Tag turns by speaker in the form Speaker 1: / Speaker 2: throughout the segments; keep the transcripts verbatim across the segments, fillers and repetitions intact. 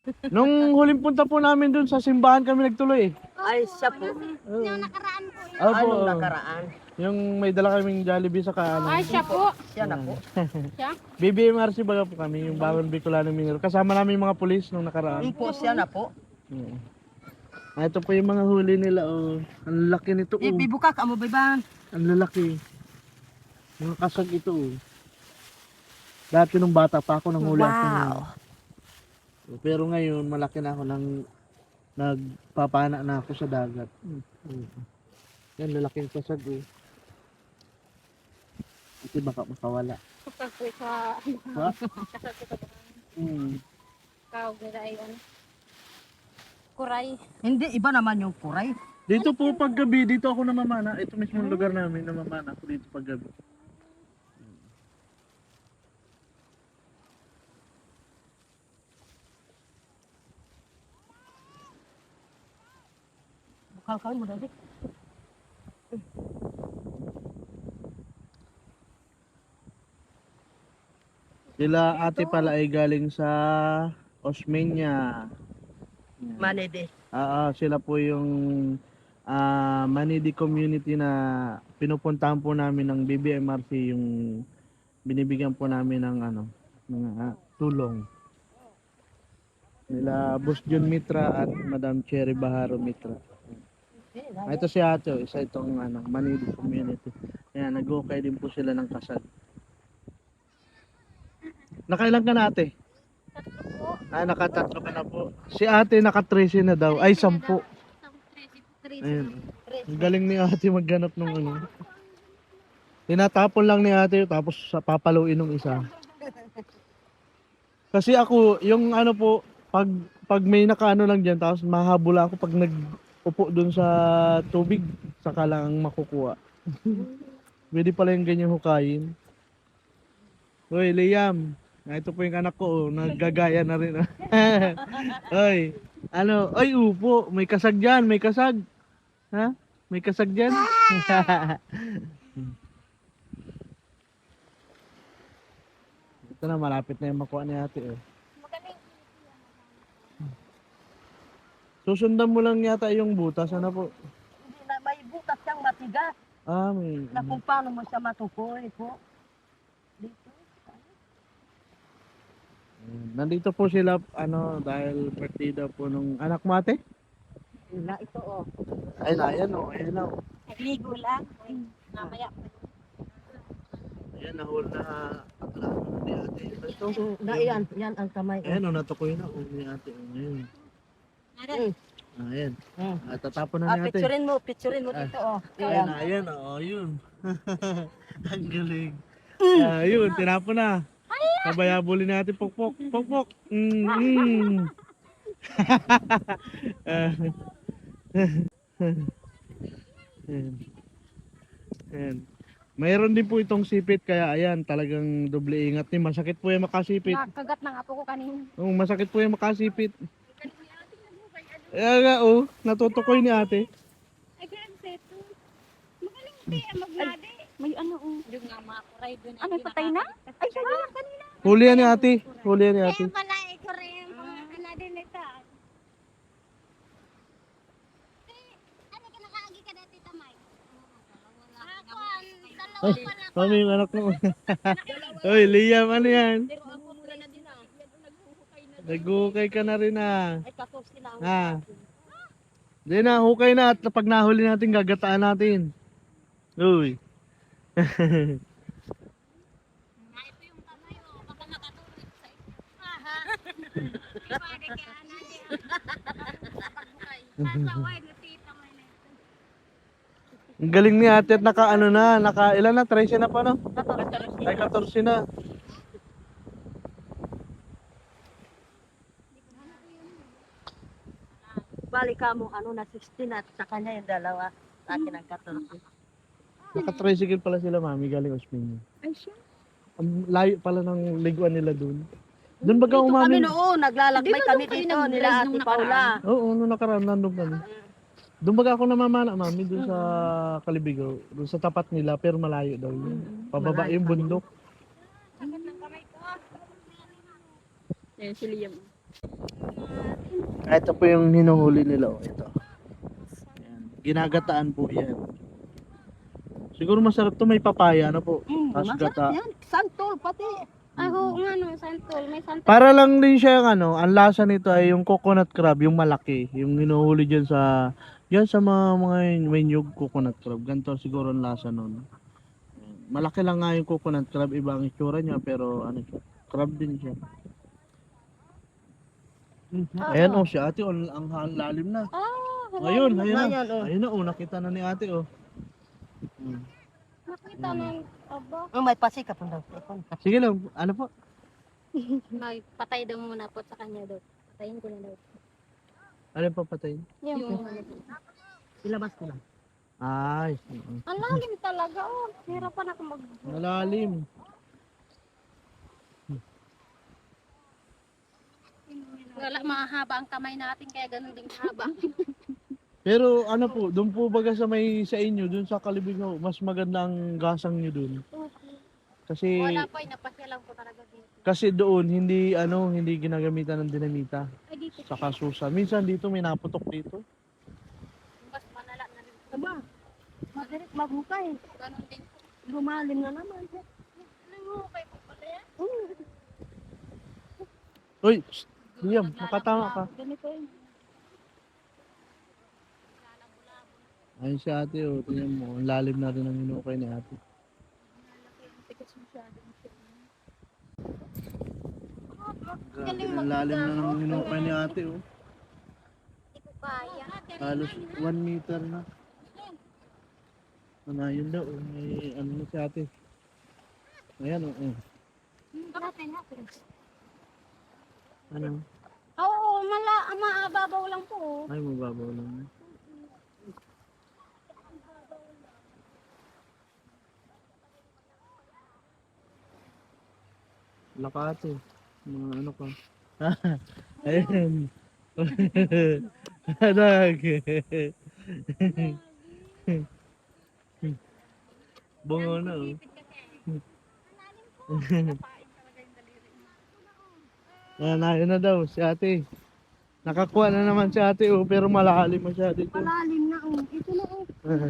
Speaker 1: Nung huling punta po namin dun sa simbahan kami nagtuloy eh.
Speaker 2: Ay, siya po.
Speaker 3: Yung nakaraan po yun.
Speaker 1: Opo.
Speaker 2: Anong nakaraan?
Speaker 1: Yung may dala kaming Jollibee sa kaano.
Speaker 3: Ay, siya po.
Speaker 2: Siya na po.
Speaker 3: Siya?
Speaker 1: B B M R C baga po kami, yung Bangon Bicolano Minero. Kasama namin yung mga pulis nung nakaraan.
Speaker 2: Yung po, siya na po.
Speaker 1: Oo. Ah, ito po yung mga huli nila oh. Ang laki nito oh.
Speaker 2: Ibibuka ka mo, Biban.
Speaker 1: Ang lalaki. Mga kasag ito oh. Dati nung bata pa ako nang huli ako.
Speaker 2: Wow.
Speaker 1: Pero ngayon malaki na ako nang nagpapana na ako sa dagat. Mm. Yan lalaking kasag eh. Kasi baka makawala.
Speaker 3: Kapag sa
Speaker 1: Ha? Hmm.
Speaker 3: ikaw, ay ano. Kuray.
Speaker 2: Hindi, iba naman yung kuray.
Speaker 1: Dito po paggabi, dito ako namamana. Ito mismo yung lugar namin, namamana ako dito paggabi.
Speaker 2: Bukal kawin mo, Daddy.
Speaker 1: Sila ate pala ay galing sa Osmeña. Yan.
Speaker 2: Manede.
Speaker 1: Ah, ah, sila po yung ah, Manidi community na pinupuntahan po namin ng B B M R C, yung binibigyan po namin ng ano, ng ah, tulong. Nila Boss John Mitra at Madam Cherry Baharo Mitra. Ah, ito si ate, oh, isa itong ano, Manidi community. Ayan, nag-ukay din po sila ng kasal. Nakailan ka na ate? Ah, nakatatlo ka na po. Si ate naka-trece na daw. Ay, sampu. Ayan. Ang galing ni ate magganap ng ano. Tinatapon lang ni ate tapos sa papaluin ng isa. Kasi ako, yung ano po, pag pag may nakaano lang diyan tapos mahabol ako pag nag-upo dun sa tubig, saka lang ang makukuha. Pwede pala yung ganyan hukayin. Hoy, Liam. Ah, ito po yung anak ko, oh, naggagaya na rin. Hoy, ano, ay upo, may kasag diyan, may kasag. Ha? May kasag diyan. Ito na, malapit na yung makuha ni ate. Eh. Susundan mo lang yata yung butas, ano po?
Speaker 2: Hindi na, may butas siyang matigas.
Speaker 1: Ah, may...
Speaker 2: Na kung paano mo siya matukoy po. Dito.
Speaker 1: Mm, nandito po sila, ano, dahil birthday daw po nung anak mo ate?
Speaker 2: Na ito, oh.
Speaker 1: Ay, na, ayan o, ayan na o.
Speaker 3: Nagligo lang. Namaya.
Speaker 1: Ayan, nahul na aklamo na ni ate. Ito,
Speaker 2: Na yan, yan ang kamay.
Speaker 1: ayan o, natukoy na o ni ate. O, ayan.
Speaker 2: Mm.
Speaker 1: Ah, ayan.
Speaker 2: Mm.
Speaker 1: Ah, tatapon na
Speaker 2: Ah,
Speaker 1: ni ate.
Speaker 2: picturein mo, picturein mo
Speaker 1: Ah.
Speaker 2: dito, oh.
Speaker 1: Ayan,
Speaker 2: Ayan.
Speaker 1: na, ayan o, yun. Ang galing. Ah, yun, tinapon na. Sabayabulin natin, pokpok, pokpok. Mm, mm. Ah. Ayan. Ayan. Mayroon din po itong sipit kaya ayan talagang doble ingat ni. Masakit po yung makasipit.
Speaker 3: Nakagat ng apo ko kanina.
Speaker 1: Oo, masakit po yung makasipit. Ayan nga oh, natutukoy ni ate.
Speaker 3: Ay, ganun seto. Magaling di, maglade. May ano, oh. Yung nga mga kuray doon. Ano, patay na? Ay, siya kanina.
Speaker 1: Huli yan ni ate. Huli yan ni ate.
Speaker 3: Kaya pala, ito rin. Ano din ito. Ano ka nakaagi ka dati, Tamay? Ako, dalawa
Speaker 1: Ay,
Speaker 3: pala.
Speaker 1: mami yung anak mo. Hoy, Liam, ano yan? Nagukay ka na rin ah.
Speaker 2: Ay, kakos sila.
Speaker 1: Ah. Di na, hukay na at pag nahuli natin, gagataan natin. Uy.
Speaker 3: Ah, ito yung Tamay, oh. Baka makatulog sa ito. Aha. Iwari ka, anali. Sasaway na tita mo na ito.
Speaker 1: Ang galing ni ate at naka ano na, naka ilan na, trece na pa no? Ay, fourteen na.
Speaker 2: Balik ka mo, ano, na sixteen at sa kanya yung dalawa. Sa akin ang fourteen.
Speaker 1: Naka-tricycle pala sila mami, galing Osmeña.
Speaker 3: Ay, siya.
Speaker 1: Ang layo pala ng liguan nila dun. Doon baga
Speaker 2: Dito kami
Speaker 1: umamin.
Speaker 2: noon, naglalakbay
Speaker 3: Di ba
Speaker 2: kami
Speaker 3: doon kayo
Speaker 2: dito,
Speaker 3: nag-drive
Speaker 2: nila
Speaker 3: nung
Speaker 2: Ate
Speaker 3: nakaraan?
Speaker 2: Paula.
Speaker 1: Oo, nung nakaraan, nandun kami. Doon baga ako namamana mami, doon sa Kalibigaw. Doon sa tapat nila, pero malayo daw yun. Pababa
Speaker 2: Malayo
Speaker 1: yung
Speaker 2: pa rin.
Speaker 1: bundok.
Speaker 3: Agat ng kamay ko. Ayan si Liam. natin.
Speaker 1: Ito po yung hinuhuli nila. Oh. Ito. Ayan. Ginagataan po yan. Siguro masarap to, may papaya na po.
Speaker 2: Mm,
Speaker 1: Tapos
Speaker 2: masarap
Speaker 1: gata.
Speaker 2: yan. Santol pati.
Speaker 3: Ay, oo nga no, santol. May santol.
Speaker 1: Para lang din siya yung ano, ang lasa nito ay yung coconut crab, yung malaki. Yung hinuhuli dyan sa, yan sa mga, mga may nyug coconut crab. Ganito siguro ang lasa nun. Ayan. Malaki lang nga yung coconut crab, iba ang itsura niya, pero ano siya, crab din siya. Ayan oh, si ate, oh, ang, ang lalim na.
Speaker 3: Ah, wala
Speaker 1: Ayun,
Speaker 3: na.
Speaker 1: ayun na.
Speaker 2: Ayan, oh.
Speaker 1: Ayun na, oh, nakita na ni ate, oh. Hmm.
Speaker 3: Nakita na yung aba.
Speaker 2: Oh, may pasika po daw.
Speaker 1: Sige lang, ano po?
Speaker 3: Magpatay daw muna po sa kanya daw. Patayin ko na daw.
Speaker 1: Ano yung papatayin?
Speaker 3: Yung,
Speaker 2: Ilabas ko lang.
Speaker 1: Ay, mm.
Speaker 3: ang lalim talaga oh. Hirapan ako mag...
Speaker 1: Malalim.
Speaker 3: Wala, mahaba ang kamay natin kaya ganun din haba.
Speaker 1: Pero ano po, doon po baga sa may sa inyo, doon sa Kalibig ho, mas maganda ang gasang nyo doon. Kasi
Speaker 3: Wala po, napasya lang po talaga dito.
Speaker 1: kasi doon hindi ano, hindi ginagamitan ng dinamita.
Speaker 3: Ay, dito.
Speaker 1: Saka susa. Minsan dito may naputok dito.
Speaker 3: Mas malala na rin.
Speaker 2: Aba, madirik maghukay.
Speaker 3: Ganun din.
Speaker 2: Lumalim na naman.
Speaker 3: Nangukay po pala yan.
Speaker 1: Uy, shh, Liam, makatama ka.
Speaker 3: Ganito yun.
Speaker 1: Ayun si ate, oh, tingnan mo, ang lalim na rin ang hinukay ni ate. Grabe, ang lalim na ng hinukay ni ate, oh.
Speaker 3: Hindi ko kaya.
Speaker 1: Halos one meter na. Ano, yun daw, oh, may ano na si ate. Ayan, oh, oh.
Speaker 3: Natin, natin.
Speaker 1: Ano?
Speaker 3: Oo, mala, maababaw lang po.
Speaker 1: Ay, mababaw lang. Lakate. Mga ano ka. Ayun. Anak. Bungo na oh. Ayan, ayun na daw si ate. Nakakuha na naman si ate oh, pero malalim masyado ito.
Speaker 2: Malalim na oh. Ito na oh.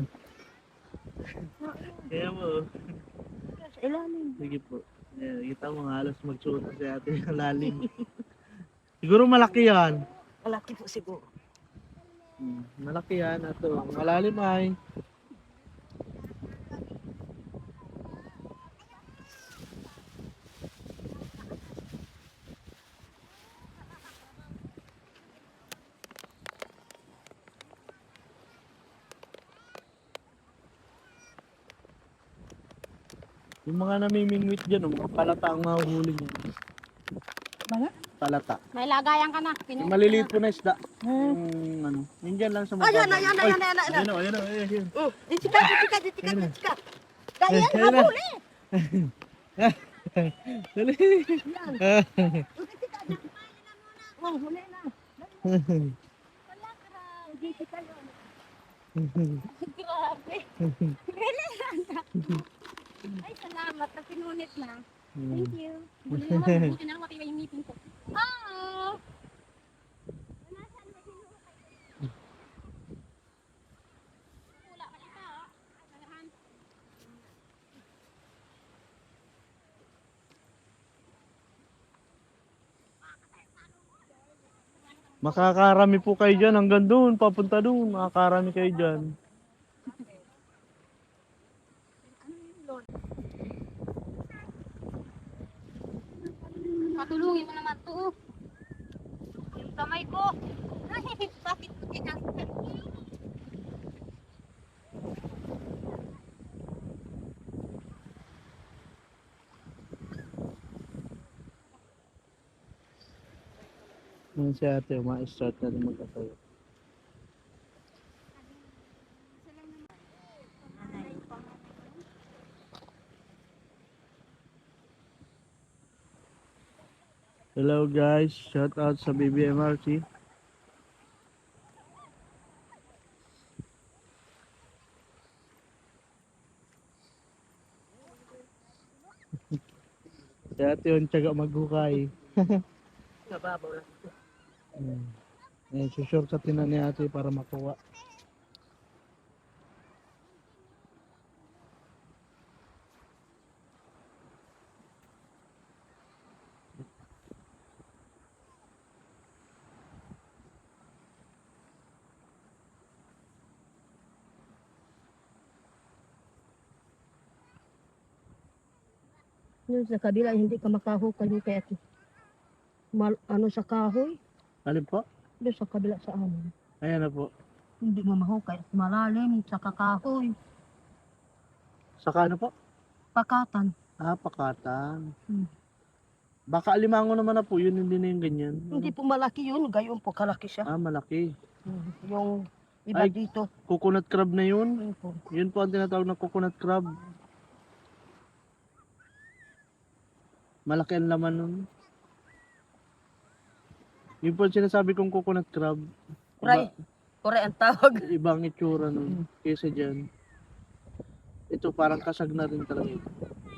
Speaker 1: Kaya mo oh.
Speaker 2: Sa ilalim.
Speaker 1: Sige po. Ayan, kita mo halos magsuot na si ate ng lalim. Siguro malaki yan.
Speaker 2: Malaki po siguro.
Speaker 1: Hmm, malaki yan. Ito, malalim ay. Yung mga namimingwit dyan, oh, mga palata ang mahuhuli niya.
Speaker 2: Mga?
Speaker 1: Palata.
Speaker 3: May lagayan ka na.
Speaker 1: Yung maliliit po na isda. Yung ano, yun dyan lang sa mga.
Speaker 2: Ayan na, ayan na, ayan na, ayan na.
Speaker 1: Ayan o, ayan o, ayan ayan.
Speaker 2: Oh, itika, itika, itika, itika. Kaya
Speaker 1: Ayan na.
Speaker 2: habuli.
Speaker 1: Dali.
Speaker 2: Itika na. Oh, huli na. Itika yun.
Speaker 3: Grabe. Ay, salamat. Na pinunit na. Thank you. Buti naman, buti na lang matibay yung ngipin ko. Ah! Wala ka ito, ah. Kailangan.
Speaker 1: Makakarami po kayo dyan hanggang doon, papunta doon. Makakarami kayo dyan.
Speaker 3: Patulungin mo naman to. Yung kamay ko. Ay, bakit ko tinanggal?
Speaker 1: Yan si ate, ma-start na rin magkatayo. Hello guys, shout out sa B B M R C. Si ate yung tiyaga maghukay.
Speaker 2: Nababaw lang.
Speaker 1: Hmm. Ayan, susurkatin na ni ate para makuha.
Speaker 2: Yun sa kabila, hindi ka makahukay yung kaya mal, ano sa kahoy.
Speaker 1: Alin po?
Speaker 2: Doon sa kabila sa amin.
Speaker 1: Ayan na po.
Speaker 2: Hindi mo mahukay at malalim sa kakahoy.
Speaker 1: Saka ano po?
Speaker 2: Pakatan.
Speaker 1: Ah, pakatan.
Speaker 2: Hmm.
Speaker 1: Baka alimango naman na po, yun hindi na yung ganyan.
Speaker 2: Hindi po malaki yun, gayon po kalaki siya.
Speaker 1: Ah, malaki.
Speaker 2: Hmm. Yung iba
Speaker 1: Ay.
Speaker 2: dito.
Speaker 1: Coconut crab na yun.
Speaker 2: Yun po.
Speaker 1: Yun po ang tinatawag na coconut crab. Malaki ang laman nun. Yun po ang sinasabi kong coconut crab.
Speaker 2: Kuray. Kuray ang tawag.
Speaker 1: Ibang itsura nun kaysa dyan. Ito parang kasag na rin talaga ito.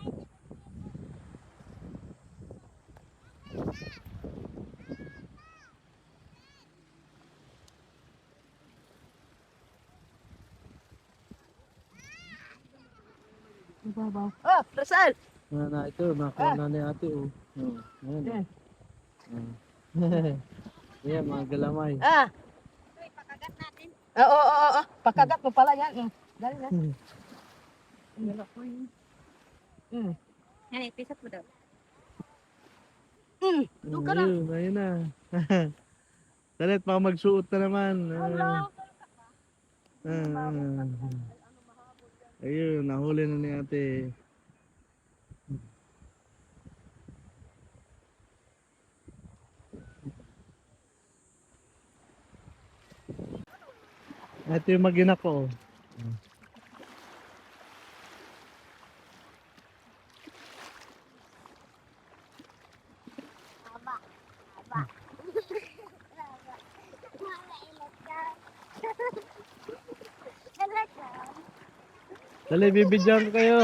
Speaker 2: Ibabaw. Ah, Rizal!
Speaker 1: Na, na ito, nakuha na ni ate oh. Oh, ayan.
Speaker 2: Yan.
Speaker 1: Oh. Ayan, mga galamay.
Speaker 2: Ah!
Speaker 3: Uy, pakagat natin.
Speaker 2: Ah, oo, oo, oo. Pagkagat mo pala yan. Mm. Dali na.
Speaker 1: Hmm.
Speaker 2: Mm.
Speaker 3: Yan, ipisat mo daw.
Speaker 2: Mm. Doon ka na.
Speaker 1: Ayun, ayun na. Dalit, baka magsuot na naman. Ah, ah. Ayun, nahuli na ni ate. Ito yung magina ko. Dali, bibidyan ko kayo.